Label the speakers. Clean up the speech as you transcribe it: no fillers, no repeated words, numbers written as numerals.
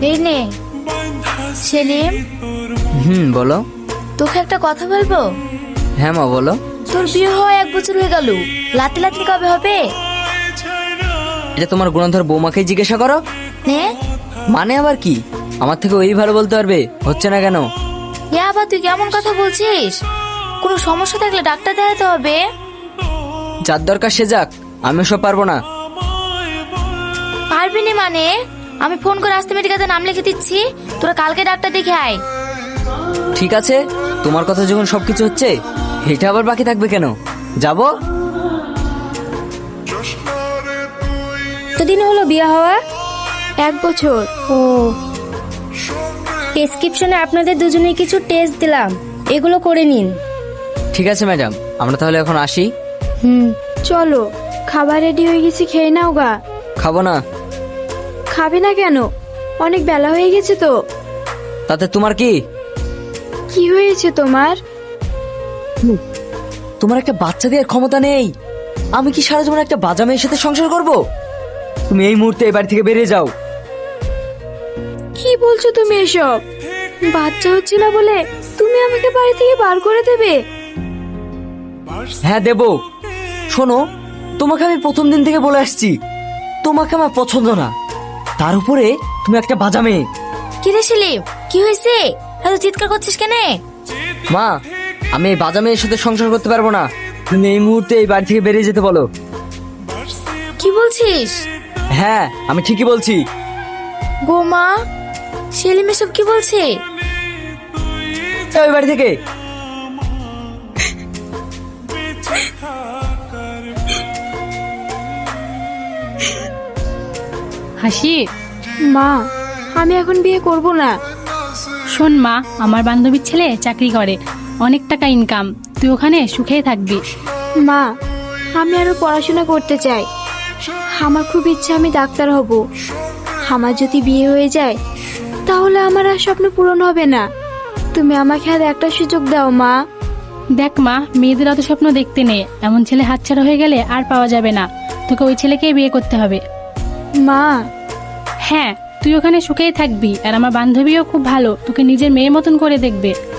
Speaker 1: এই নে সেলিম,
Speaker 2: বলো।
Speaker 1: তোকে একটা কথা বলবো।
Speaker 2: হ্যাঁ মা বলো।
Speaker 1: তোর বিয়ে হওয়া 1 বছর হয়ে গেল, লাতি লাতি কবে হবে?
Speaker 2: এটা তোমার গুণধর বৌমাকেই জিজ্ঞাসা করো।
Speaker 1: নে
Speaker 2: মানে আবার কি? আমার থেকে ওই ভালো বলতে পারবে। হচ্ছে না কেন?
Speaker 1: এ আবার তুই কেমন কথা বলছিস? কোনো সমস্যা থাকলে ডাক্তার দেখাতে হবে।
Speaker 2: যার দরকার সে যাক, আমি সব পারবো না।
Speaker 1: পারবি না মানে? আমি ফোন করে আসতে মেডিকেলে নাম লিখে দিচ্ছি, তোরা কালকে ডাক্তার দেখে আয়।
Speaker 2: ঠিক আছে, তোমার কথা যখন সবকিছু হচ্ছে, এটা আবার বাকি থাকবে কেন? যাবো।
Speaker 3: কতদিন হলো বিয়ে হওয়া? 1 বছর। ও, প্রেসক্রিপশনে আপনাদের দুজনে কিছু টেস্ট দিলাম, এগুলো করে নিন।
Speaker 2: ঠিক আছে ম্যাডাম, আমরা তাহলে এখন আসি।
Speaker 3: চলো, খাবার রেডি হয়ে গেছে, খেয়ে নাও গা।
Speaker 2: খাবো না।
Speaker 3: খাবে না কেন? অনেক বেলা হয়ে গেছে তো।
Speaker 2: তাতে তোমার কি?
Speaker 3: কি হয়েছে তোমার?
Speaker 2: তোমার একটা বাচ্চা দেওয়ার ক্ষমতা নেই। আমি কি সারা জীবন একটা বাজা মেয়ের সাথে সংসার করব? তুমি এই মুহূর্তে এই বাড়ি থেকে বেরিয়ে যাও।
Speaker 3: কি বলছো তুমি এসব? বাচ্চা হচ্ছে না বলে তুমি আমাকে বাড়ি থেকে বার করে দেবে?
Speaker 2: হ্যাঁ দেবো। শোনো, তোমাকে আমি প্রথম দিন থেকে বলে আসছি, তোমাকে আমার পছন্দ না। তার উপরে তুমি একটা বাজা মেয়ে।
Speaker 1: কি রে সেলিম, কি হয়েছে? এত চিৎকার করছিস কেন?
Speaker 2: মা, আমি এই বাজা মেয়ের সাথে সংসার করতে পারবো না। তুমি এই মুহূর্তে এই বাড়ি থেকে বেরিয়ে যেতে বলো।
Speaker 1: কি বলছিস?
Speaker 2: হ্যাঁ, আমি ঠিকই বলছি।
Speaker 1: গোমা, সেলিম এসব কি বলছে?
Speaker 2: যাও এই বাড়ি থেকে।
Speaker 4: হাসি,
Speaker 3: মা, আমি এখন বিয়ে করব না।
Speaker 4: শোন মা, আমার বান্ধবীর ছেলে চাকরি করে, অনেক টাকা ইনকাম, তুই ওখানে সুখেই থাকবি।
Speaker 3: মা, আমি আরো পড়াশোনা করতে চাই। আমার খুব ইচ্ছা আমি ডাক্তার হব। আমার যদি বিয়ে হয়ে যায় তাহলে আমার আর স্বপ্ন পূরণ হবে না। তুমি আমাকে আর একটা সুযোগ দাও মা।
Speaker 4: দেখ মা, মেয়েদের অত স্বপ্ন দেখতে নেই, এমন ছেলে হাতছাড়া হয়ে গেলে আর পাওয়া যাবে না। তোকে ওই ছেলেকেই বিয়ে করতে হবে।
Speaker 3: মা,
Speaker 4: হ্যাঁ, তুই ওখানে সুখেই থাকবি, আর আমার বান্ধবীও খুব ভালো, তোকে নিজের মেয়ের মতন করে দেখবে।